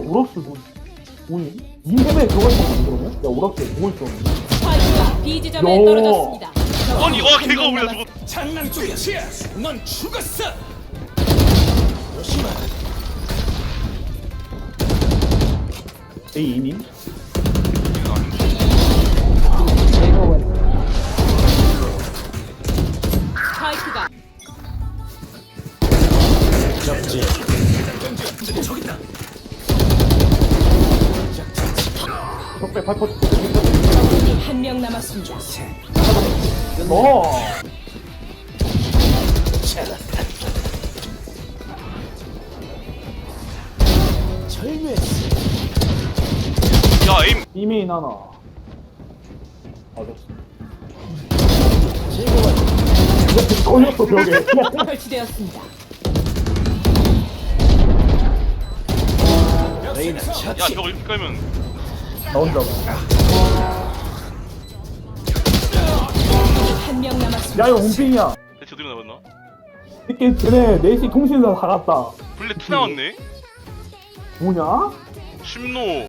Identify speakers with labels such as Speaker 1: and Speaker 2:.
Speaker 1: 오락스 뭐니? 인터넷에 들어가 있는 거 그러면? 야 오락스에 뭐 있어?
Speaker 2: 스파이크가 B 지점에
Speaker 1: 야.
Speaker 2: 떨어졌습니다.
Speaker 3: 아니 와 걔가 우리가 저거
Speaker 4: 장난 쪽이야. 넌 죽었어. 조심하.
Speaker 1: A 이닝?
Speaker 2: 스파이크가
Speaker 4: 접지. 저기 있다.
Speaker 1: 적배 발퍼
Speaker 2: 적군이 한 명 남았습니다.
Speaker 1: 너
Speaker 4: 절묘했어.
Speaker 3: 야 에임
Speaker 1: 이메인 하나 맞았어 이렇게 꺼냈어 벽에
Speaker 2: 설치되었습니다.
Speaker 4: 레이나
Speaker 3: 야
Speaker 4: 처치.
Speaker 3: 저거 이렇게 깔면
Speaker 1: 나 혼자
Speaker 2: 한 명 남았습니다.
Speaker 1: 야 이거 홈핑이야
Speaker 3: 대체 어디로 나갔나?
Speaker 1: 이렇게 쟤네 4시 통신사 다 갔다
Speaker 3: 블랙 2 나왔네?
Speaker 1: 뭐냐?
Speaker 3: 심노